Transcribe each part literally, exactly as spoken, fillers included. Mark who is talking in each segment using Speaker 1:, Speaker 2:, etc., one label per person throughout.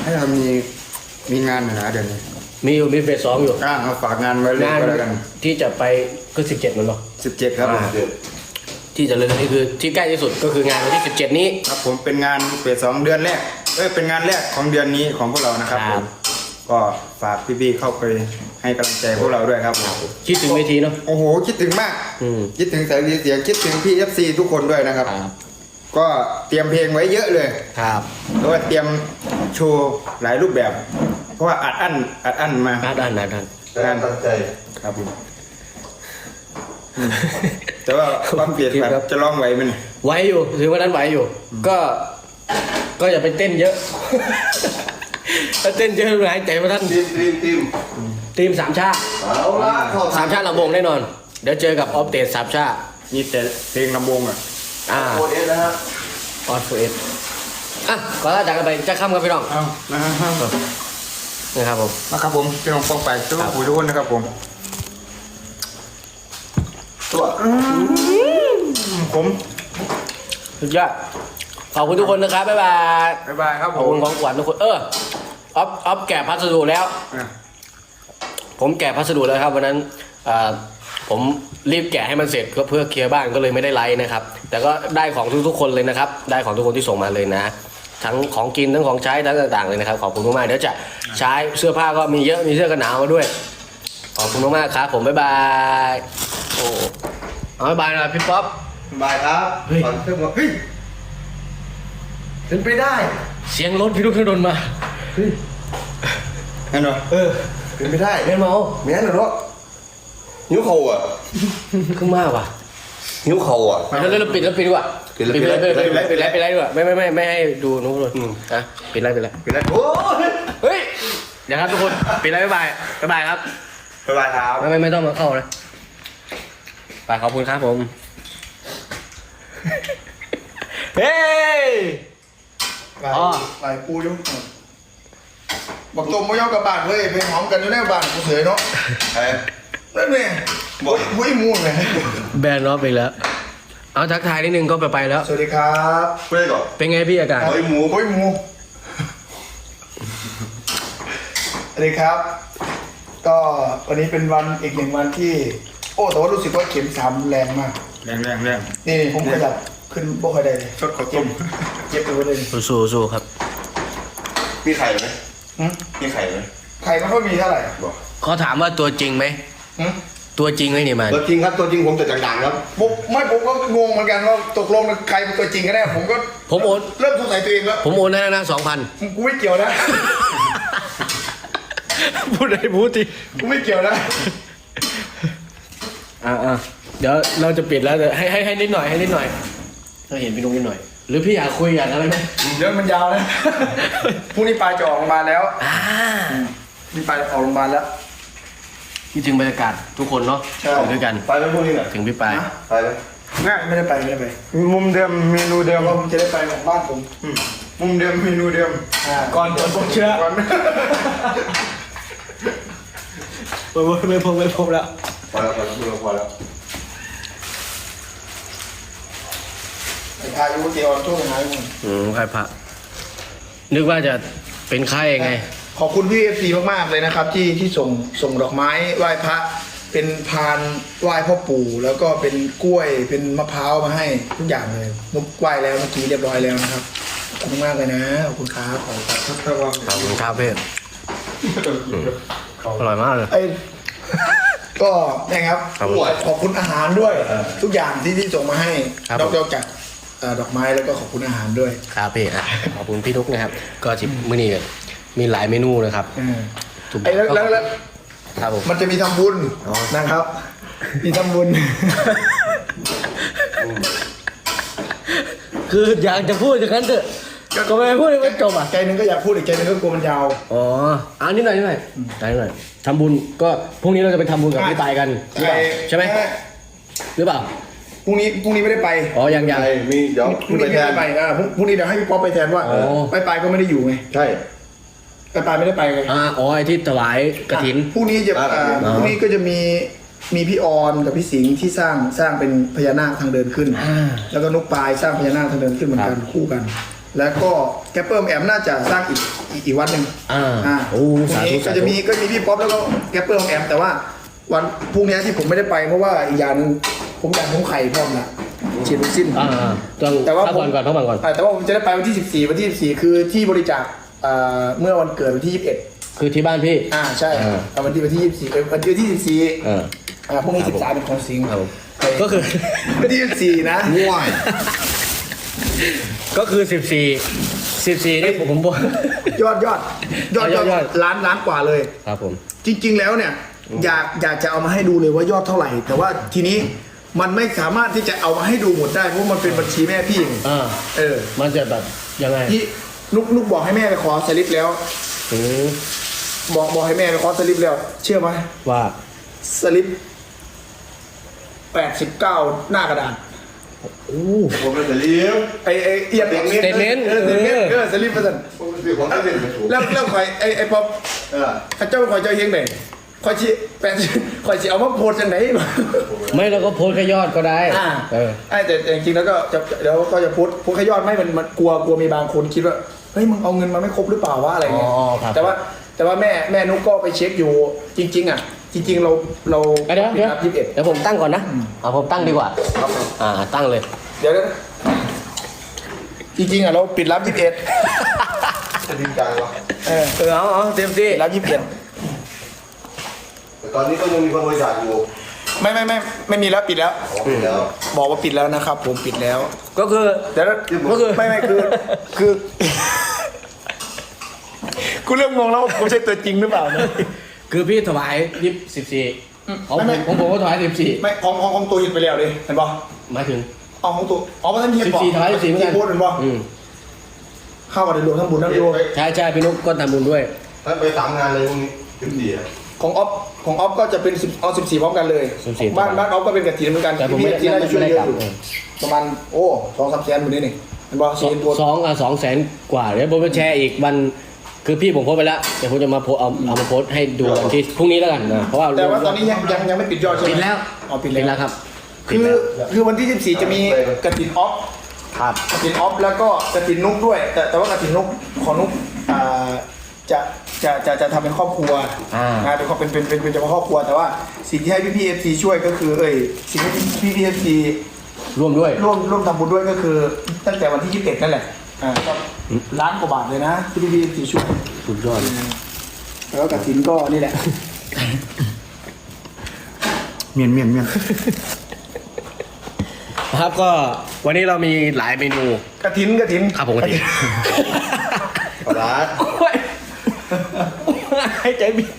Speaker 1: ให้เรามีมีงานหน่อยนะเดี๋ยวนี้
Speaker 2: มีอยู่มีเฟสสองอยู่
Speaker 1: อ่าเอาฝากงานไว้เลยก็แล้วกัน
Speaker 2: ที่จะไปก็สิบเจ็ดมันหรอ
Speaker 1: สิบเจ็ดครับผม
Speaker 2: ที่จะเลยนี่คือที่ใกล้ที่สุดก็คืองานวันที่สิบเจ็ดนี้
Speaker 1: ครับผมเป็นงานเฟสสองเดือนแรกเอ้ยเป็นงานแรกของเดือนนี้ของพวกเรานะครับผมก็ฝากพี่ๆเข้าไปให้กำลังใจพวกเราด้วยครับผม
Speaker 2: คิดถึงเวทีเนาะ
Speaker 1: โอ้โหคิดถึงมากคิดถึงสายเสียงคิดถึงพี่ เอฟ ซี ทุกคนด้วยนะครับก็เตรียมเพลงไว้เยอะเลย
Speaker 2: ครับ
Speaker 1: แล้วก็เตรียมโชว์หลายรูปแบบเพราะว่าอัดอั้นอัดอั้นมา
Speaker 2: อัดอั้นอัดอั้น
Speaker 1: งานตั้งใจครับผมแต่ว่าความเปลี่ยนแบบจะร้องไหวไหม
Speaker 2: ไหวอยู่ถือว่านั้นไหวอยู่ก็ก็อย่าไปเต้นเยอะถ้าเต้นเยอะหายใจมาท่าน
Speaker 3: ทีมทีมทีม
Speaker 2: ทีมสามชาติ
Speaker 3: เอาละ
Speaker 2: สามชาติลำวงแน่นอนเดี๋ยวเจอกับออฟเตสสามชาติ
Speaker 1: มีแต่เพลงลำวงอ่ะ
Speaker 2: อ่า
Speaker 3: โอเอสนะฮะ
Speaker 2: ออฟเอสอ่ะก่อนจากกันไปจะข้ามกันพี่น้อง
Speaker 1: เอานะครับ
Speaker 2: นะครับผม
Speaker 1: นะครับผมพี่น้องฟองไปทุกผู้ทุกคนนะครับผม
Speaker 3: ตัว
Speaker 1: ผม
Speaker 2: สุดยอดขอบคุณทุกคนนะครับบ๊ายบาย
Speaker 1: บ๊ายบายครับ
Speaker 2: ขอบคุณของขวัญทุกคนเออออฟออฟแกะพัสดุแล้วผมแกะพัสดุแล้วครับวันนั้นผมรีบแกะให้มันเสร็จเพื่อเคลียร์บ้านก็เลยไม่ได้ไลฟ์นะครับแต่ก็ได้ของทุกๆคนเลยนะครับได้ของทุกคนที่ส่งมาเลยนะทั้งของกินทั้งของใช้ทั้งต่างๆเลยนะครับขอบคุณมากๆเดี๋ยวจะใช้เสื้อผ้าก็มีเยอะมีเสื้อกันหนาวมาด้วยขอบคุณมากๆครับผมบ๊ายบายโอ้เอาบ๊ายบายนะพี่ป๊อป
Speaker 3: บายครับก่อนเครื่องเฮ้ยเป็นไปได้
Speaker 2: เสียงรถพี่ลูกเครื่องดนมา
Speaker 1: เฮ้ยเห็นเหรอ
Speaker 3: เออเป็นไปได้
Speaker 2: แม่เมา
Speaker 3: แม่นเหรอนิ้วเข่าอ่ะ
Speaker 2: ขึ้นมากว่ะ
Speaker 3: นิ้วเข่าอ่ะ
Speaker 2: แล้วเราปิดแล้วปิดดีกว่าปิดปิดปิดปิดปิดปิดปิดดีกว่าไม่ไม่ไม่ไม่ให้ดูนู้นเลยอ่ะปิดไรปิดไร
Speaker 3: ปิดไรโอ้
Speaker 2: เฮ้ยเดี๋ยวครับทุกคนปิดไรบ๊ายบายบ๊ายบายครับ
Speaker 1: บ๊ายบายครับ
Speaker 2: ไม่ไม่ไม่ต้องมาเข้านะไปขอบคุณครับผมเฮ้ย
Speaker 3: อ๋อไปปูยุ่งบอกตรงไม่ยอมกับบ้านเว้ยไปหอมกันอยู่ในบ้านกูเสยเนาะไอ้นั่นเนี่ยบอกมุ้ยมูนเลย
Speaker 2: แบนน็อปไปแล้วเอาทักทายนิดนึงก็ไปไปแล้ว
Speaker 3: สวัสดีครับ
Speaker 1: ไปก่อน
Speaker 2: เป็นไงพี่อากาศ
Speaker 3: มุ้ยมูมุ้ยมูสวัสดีครับก็วันนี้เป็นวันอีกหนึ่งวันที่โอ้แต่ว่ารู้สึกว่าเข็มสามแรงมาก
Speaker 1: แรงแรงแรง
Speaker 3: นี่ผมขยับขึ้นโบ๊ะใครได้เลย
Speaker 1: ชดขอต้ม
Speaker 3: เจ็บไปหมดเลย
Speaker 2: สู้สู้ครับ
Speaker 3: มีไข่ไหมมีไข่ไหมไข่มันก็มีเท่าไหร่บอก
Speaker 2: เขาถามว่าตัวจริงไหมตัวจริงไหมเนี่ยมัน
Speaker 3: ตัวจริงครับตัวจริงผมจะดังๆครับผมไม่ผมก็งงเหมือนกันว่าตกลงใครเป็นตัวจริงกันแน่ผมก็
Speaker 2: ผมโอน
Speaker 3: เริ่มสงสัยตัวเองแล้ว
Speaker 2: ผมโอนให้นะสองพัน
Speaker 3: กูไม่เกี่ยวนะ
Speaker 2: พูดอะไรพูดที
Speaker 3: กูไม่เกี่ยวนะ
Speaker 2: อ่าอ่าเดี๋ยวเราจะปิดแล้วให้ให้ให้นิดหน่อยให้นิดหน่อยเราเห็นพี่นุ๊กนิดหน่อยหรือพี่อยากคุยอยากอะไรไหม
Speaker 3: เรื่องมันยาวนะพรุ่งนี้ปลายจะออกโรงพยาบาลแล้วอ่านี่ปลายออกโรงพยาบาลแล้ว
Speaker 2: คิดถึงบรรยากาศทุกคนเนาะอยู่ด้วยกัน
Speaker 3: ไปไหมพรุ่งนี้น่ะ
Speaker 2: ถึงพี่ปลาย
Speaker 3: ไปไหมไม่ไม่ได้ไปไม่ได้ไป
Speaker 1: มุมเดิมเมนูเดิม
Speaker 3: ผมจะได้ไปของบ้านผม
Speaker 1: มุมเดิมเมนูเดิม
Speaker 3: ก่อนผมเชื่อ
Speaker 2: ไม่ไม่พงไม่พงแล้ว
Speaker 3: พอแล้วพอแล้วพอแล้วไอ้พายุเกี่ยวทุ่งไงมึง
Speaker 2: อืมใครพระนึกว่าจะเป็นไข้ไง
Speaker 3: ขอบคุณพี่เอฟซีมากๆเลยนะครับที่ที่ส่งส่งดอกไม้ไหว้พระเป็นพานไหว้พ่อปู่แล้วก็เป็นกล้วยเป็นมะพร้าวมาให้ทุกอย่างเลยมุกไหว้แล้วเมื่อกี้เรียบร้อยแล้วนะครับขอบคุณมากเลยนะขอบคุณครับขอบคุณครับ
Speaker 2: ขอบคุณครับเพื่อนอร่อยมากเลย
Speaker 3: ก็นะครับขอบคุณอาหารด้วยทุกอย่างที่ที่ส่งมาให้นอกจากดอกไม้แล้วก็ขอบคุณอาหารด้วย
Speaker 2: ครับพี่ขอบคุณพี่นุ๊กนะครับก็จิบมื้อนี้มีหลายเมนูนะครับ
Speaker 3: ไอ้แล้วแล้ว
Speaker 2: ครับผม
Speaker 3: มันจะมีทำบุญนะครับมีทำบุญ
Speaker 2: คืออยากจะพูดอย่างนั้นเถอะก็ไม่พูดให้มันจบอ่ะ
Speaker 3: ใจนึงก็อยากพูดอีกใจนึงก็กลัวมันยาว
Speaker 2: อ๋ออ่านิดหน่อยนิดหน่อยนิดหน่อยทำบุญก็พรุ่งนี้เราจะไปทำบุญกับพี่ปายกันใช่ไหมหรือเปล่า
Speaker 3: พรุ่งนี้พรุ่งนี้ไม่ได้ไป
Speaker 2: อ๋อยังยัง
Speaker 3: มีเดี๋ยวพรุ่งนี้ไม่ได้ไปอ่าพรุ่งนี้เดี๋ยวให้พี่ป๊อปไปแทนว่าไปไปก็ไม่ได้อยู่ไง
Speaker 1: ใช่
Speaker 3: ไปไปไม่ได้ไปไง
Speaker 2: อ่าอ๋อไอ้ที่ถวายกฐิน
Speaker 3: พรุ่งนี้จะพรุ่งนี้ก็จะมีมีพี่ออนกับพี่สิงห์ที่สร้างสร้างเป็นพญานาคทางเดินขึ้นแล้วก็นุกปลายสร้างพญานาคทางเดินขึ้นเหมือนกันคู่กันแล้วก็แกปเปอร์แอมน่าจะสร้างอีกอีกอีกวันหนึ่ง
Speaker 2: อ่า
Speaker 3: อ่า
Speaker 2: โอ้
Speaker 3: พรุ่ง
Speaker 2: สาธุ
Speaker 3: นี้ก็
Speaker 2: สาธุ
Speaker 3: จะมีก็มีพี่ป๊อปแล้วก็แกปเปอร์แอมแต่ว่าวันพรุ่งนี้ที่ผมไม่ได้ไปเพราะว่าอีกอย่างหนึงผมอยากผมไข่พร้อมละฉีดวัคซีน
Speaker 2: อ่าต้อง
Speaker 3: แต่ว่า
Speaker 2: พักผ่อนก่อนพักผ่อนก่อน
Speaker 3: อ่าแต่ว่าผมจะได้ไปวันที่สิบสี่วันที่สิบสี่คือที่บริจาคอ่าเมื่อวันเกิดวันที่ยี่สิบเอ็ด
Speaker 2: คือที่บ้านพี่
Speaker 3: อ่าใช่
Speaker 2: อ่า
Speaker 3: เอาวันที่วันที่ยี่สิบสี่วันที่วันที่สิบสี่
Speaker 2: เออ
Speaker 3: อ่าพรุ่งนี้สิบสามเป็นของสิงห์
Speaker 2: ครับผม
Speaker 3: ไป
Speaker 2: ก็คือ
Speaker 3: วันที่สิบสี่นะ
Speaker 1: ง่วย
Speaker 2: ก็คือสิบสี่สิบสี่นี่ผมผมบอก
Speaker 3: ยอดยอดยอด
Speaker 2: ยอดยอด
Speaker 3: ล้านล้านกว่าเลย
Speaker 2: ครับผม
Speaker 3: จริง ๆ แล้วเนี่ยอยากอยากจะเอามาให้ดูเลยว่ายอดเท่าไหร่ แต่ว่าทีนี้มันไม่สามารถที่จะเอามาให้ดูหมดได้เพราะมันเป็นบัญชีแม่พี่เอง
Speaker 2: อ่า
Speaker 3: เออ
Speaker 2: มันจะแบบยังไง
Speaker 3: ที่นุกนุกบอกให้แม่ไปขอสลิปแล้ว
Speaker 2: อืม
Speaker 3: บอกบอกให้แม่ไปขอสลิปแล้ว เชื่อไหม
Speaker 2: ว่า
Speaker 3: สลิปแปดสิบเก้าหน้ากระดาษ
Speaker 2: อู้
Speaker 4: ผมเป็นแต่เลี้ยว
Speaker 3: ไอไอเอียน
Speaker 2: Statement
Speaker 3: เออ statement เออสลิปประสัน
Speaker 4: ผมเป็นของที่เป็นไม่ถูก
Speaker 3: แล้วแล้วคอยไอไอป๊อป
Speaker 4: เออ
Speaker 3: ข้าเจ้าคอยเจ้าเฮงไหนคอยชี้แปดคอยชี้เอามาโพสจังไหน
Speaker 2: ไม่เราก็โพสต์แค่ยอดก็ได้
Speaker 3: อ่า
Speaker 2: เออ
Speaker 3: ไอ้แต่แต่จริงๆแล้วก็จะเดี๋ยวก็จะโพสต์โพสต์แค่ยอดไม่มันมันกลัวกลัวมีบางคนคิดว่าเฮ้ยมึงเอาเงินมาไม่ครบหรือเปล่าวะอะไรเงี้ย
Speaker 2: อ๋อครับ
Speaker 3: แต่ว่าแต่ว่าแม่แม่นุกก็ไปเช็คอยู่จริง ๆ อ่ะ จริง ๆ เราเรา
Speaker 2: เดี๋ยวเดี๋ยว
Speaker 3: ยี่สิบเอ็ด
Speaker 2: เดี๋ยวผมตั้งก่อนนะเอาผมตั้งดีกว่า
Speaker 3: ครับผม
Speaker 2: อ่าตั้งเลย
Speaker 3: เดี๋ยวนะจริงๆอ่ะเราปิดรับยี่สิบเอ็ด
Speaker 4: จะจริงจังวะ
Speaker 3: เออ
Speaker 2: เออเอาเอาเต็มที่
Speaker 3: ปิดรับยี่สิบเอ็ด
Speaker 4: แต่ตอนนี้ก็ยังมีคนบริจาคอยู่
Speaker 3: ไม่ไม่ไม่ไม่มีแล้วปิดแล้ว
Speaker 4: ขอไปแล้ว
Speaker 3: บอกว่าปิดแล้วนะครับ ผมปิดแล้ว
Speaker 2: ก็คือ
Speaker 3: เดี๋ยวนะ
Speaker 2: ก็คือ
Speaker 3: ไม่ไม่คือคือ กูเริ่มงงแล้วว่ากูใช่ตัวจริงหรือเปล่านะ
Speaker 2: คือพี่ถวายยี่สิบสี่ของ
Speaker 3: ไม่
Speaker 2: ผม
Speaker 3: ไม่
Speaker 2: ของผมก็ถวายสิบสี่
Speaker 3: ไม่ของของของตัวเห็นไปแล้วเลยเห็นป่ะ
Speaker 2: หมายถึง
Speaker 3: เอาของตัวอ๋อมาท่านเห็นบอก
Speaker 2: สิบสี่ถวายสิบสี่เหมือนกัน
Speaker 3: ที่พูดเห็นป่ะ
Speaker 2: อืม
Speaker 3: เข้ามาในรวมทั้งบุญทั้งรวม
Speaker 2: ใช่ใช่พี่นุ๊กก็ทำบุญด้วย
Speaker 4: ท่านไปสามงานเลยพรุ่งนี้สิบสี่อ่ะ
Speaker 3: ของออฟของออฟก็จะเป็นสิบเอาสิบสี่พร้อมกันเลย
Speaker 2: สิบสี่
Speaker 3: บ้านบ้านออฟก็เป็นกระถิ่นเหมือนกัน
Speaker 2: แต่ผมไม่ได้
Speaker 3: ที่น่าจะช่วย
Speaker 2: ไม่
Speaker 3: เย
Speaker 2: ได้
Speaker 3: อะอยู่
Speaker 2: กลับ
Speaker 3: ประมาณโอ้สองสามแสนหมดนี่นี่เห็นป่ะ
Speaker 2: สอง
Speaker 3: สี่ตัว
Speaker 2: สองอ่ะสองแสนกว่าเดี๋ยวผมจะแชร์อีกวันคือพี่ผมโพสต์ไปแล้วเดี๋ยวผมจะมาโพสต์เอาเอามาโพสต์ให้ดูวันที่พรุ่งนี้แล้วกันนะเพราะว่า
Speaker 3: แต่ว่าตอนนี้ยังยังยังไม่ปิดยอดใช่ไหม
Speaker 2: ปิดแล้ว
Speaker 3: อ๋อปิด
Speaker 2: ปิด
Speaker 3: แล้
Speaker 2: แล้ว วครับ
Speaker 3: คือคือวันที่สิบสี่จะมีกระถิ่นออฟ
Speaker 2: ครับ
Speaker 3: กระถินออฟแล้วก็กระถินนุกด้วย แต่แต่ว่ากระถินนุกของนุกอ่าจะจะจะจะทำเป็นครอบครัว
Speaker 2: อ่า
Speaker 3: อ่าเป็นครอบเป็นเป็นเป็นเป็นเฉพาะครอบครัวแต่ว่าสิ่งที่ให้พี่พีเอฟซีช่วยก็คือเอ้ยสิ่งที่พี่พีเอฟซี
Speaker 2: ร่วมด้วย
Speaker 3: ร่วมร่วมทำบุญด้วยก็คือ ตั้งแต่วันที่ยี่สิบเอ็ดนั่นแหละอ่าก็ล้านกว่าบาทเลยนะที่พี่พีเอฟซีช่วย
Speaker 2: สุดยอด
Speaker 3: แล้วก็กระถินก็นี่แหละ
Speaker 1: เมียนเมียนเมียน
Speaker 2: ครับก็วันนี้เรามีหลายเมนู
Speaker 3: กระถินกระถิน
Speaker 2: ครับผมกติ
Speaker 4: ปลาร้า
Speaker 2: โอ้ยให้ใจบิด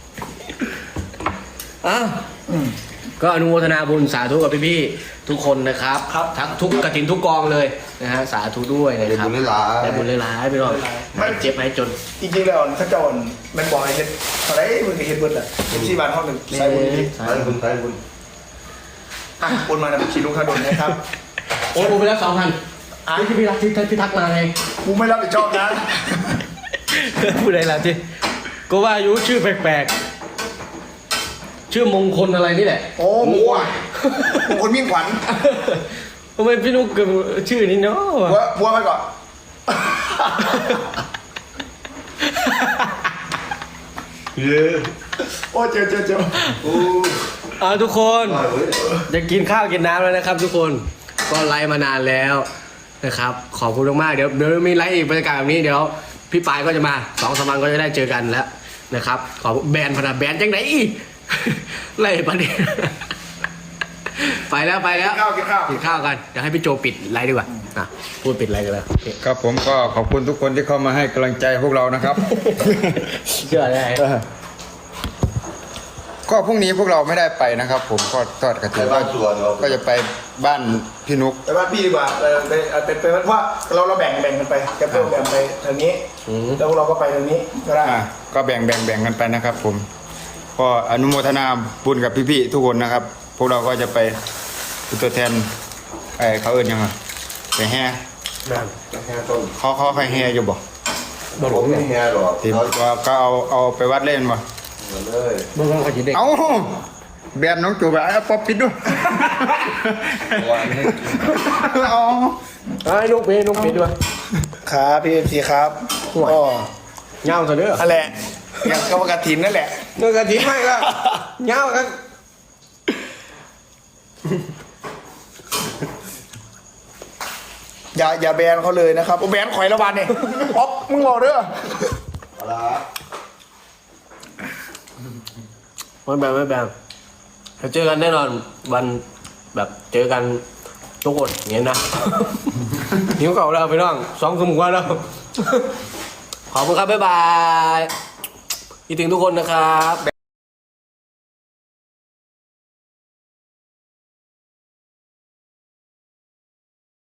Speaker 2: อ้าวก็อนุโมทนาบุญสาธุกับพี่ๆทุกคนนะครับทั้งทุกกฐินทุกกองเลยนะฮะสาธุด้วยนะ
Speaker 4: ได้
Speaker 2: ครับ
Speaker 4: บุญหลาย
Speaker 2: ได้บุญหลายๆพี่น้องหายเจ็บหายจน
Speaker 3: จริงๆแล้วถ้าเจ้าแมันบอกให้เฮ็ดอะไรมึงก็เฮ็ดเบิดแหละที่บ้านห้องหนึ่งใส่บุญดี
Speaker 4: ๆใช้บุญใช้บุญ
Speaker 3: อ่ะโอนมานะชีลุงข้าดนนะครับ
Speaker 2: โอ้ยผมไปแล้วสองพันอ่ะที่พี่รักที่พี่ทักมาไง
Speaker 3: กูไม่รับผิดชอบนะ
Speaker 2: พูดอะไรล่ะที่ก็ว่าอายุชื่อแปลกๆชื่อมงคลอะไรนี่แหละ
Speaker 3: โอ้มัวมงคลมิ่งขวัญ
Speaker 2: ทำไมพี่นุ๊กเกิดชื่อนี้เนาะ
Speaker 3: บัวบัวไปก่อน
Speaker 4: เย้
Speaker 3: โอ้เจอเจอเจอ
Speaker 4: โอ้
Speaker 2: อ่าทุกคน
Speaker 4: อร่อยเว้ย
Speaker 2: จะกินข้าวกินน้ำแล้วนะครับ ทุกคนก็ไลฟ์มานานแล้วนะครับ ขอบคุณมากๆเดี๋ยวเดี๋ยวมีไลฟ์อีกบรรยากาศแบบนี้เดี๋ยวพี่ปายก็จะมาสองสามวันก็จะได้เจอกันแล้วนะครับ ขอแบนพนันแบนจังไหนอีก ไล่ปะเนี่ยไปแล้วไปแล้ว
Speaker 3: ข้าวกินข้าว
Speaker 2: กินข้าวกันเดี๋ยวให้พี่โจปิดไลฟ์ดีกว่าอ่ะพูดปิดไลฟ์กันแล้ว
Speaker 1: ครับผมก็ขอบคุณทุกคนที่เข้ามาให้กำลังใจพวกเรานะครับ
Speaker 2: เชื่อได้
Speaker 1: ก็พรุ่งนี้พวกเราไม่ได้ไปนะครับ ผมก็ทอดกระ
Speaker 4: ไป
Speaker 1: ถิ่น
Speaker 4: บ้านสวนเรา
Speaker 1: ก็จะไปบ้านพี่นุก
Speaker 3: ไปบ้านพี่ดีกว่าเออไปเออไปไปเพราะเราเราแบ่งแบ่งกันไปแกเปิลแบ่งไปทางนี้แล้วพวกเราก็ไปทางนี้ก็ได้
Speaker 1: อ่ะก็แบ่งแบ่งแบ่งกันไปนะครับ ผมก็อนุโมทนาบุญกับพี่ๆทุกคนนะครับ พวกเราก็จะไปเป็นตัวแทนไอ้เขาเอิ้นยังไงไปแห่
Speaker 4: แค่ต้น
Speaker 1: เขาเขาใครแห่อยู่บ่
Speaker 4: ผมไม่แห่หรอก
Speaker 1: ทีม
Speaker 4: เขา
Speaker 1: ก็ก็เอาเอาไปวัดเล่นบ่
Speaker 4: เหมือนเลย
Speaker 2: เมื่อวันเขาจะเด็ก
Speaker 1: เอาแบนน้องจูบไอ้ป๊อปปิดด้วย
Speaker 4: วันนี้
Speaker 1: เอา
Speaker 2: ไอ้ลูกเบลูกเบด้วย
Speaker 1: ใคร
Speaker 3: ครับพี่เอฟซีครับก็
Speaker 2: เงาซะเด้อ
Speaker 3: นั่นแหละอย่างกรรมกฐินนั่นแหละ
Speaker 2: เงินกระถิ่นไม่ละเงาครับ
Speaker 3: อย่าอย่าแบนเขาเลยนะครับโอ้แบนข่อยละวันเนี่ยอ๊อฟมึงบอกเด้อ
Speaker 4: เอาละ
Speaker 2: ไม่แบนไม่แบนเราเจอกันแน่นอนวันแบบเจอกันทุกคนอย่างนี้นะหิวเก่าแล้วพี่น้องสองสมงวันแล้ว ขอบคุณครับบ๊ายบายคิดถึงทุกคนนะครับ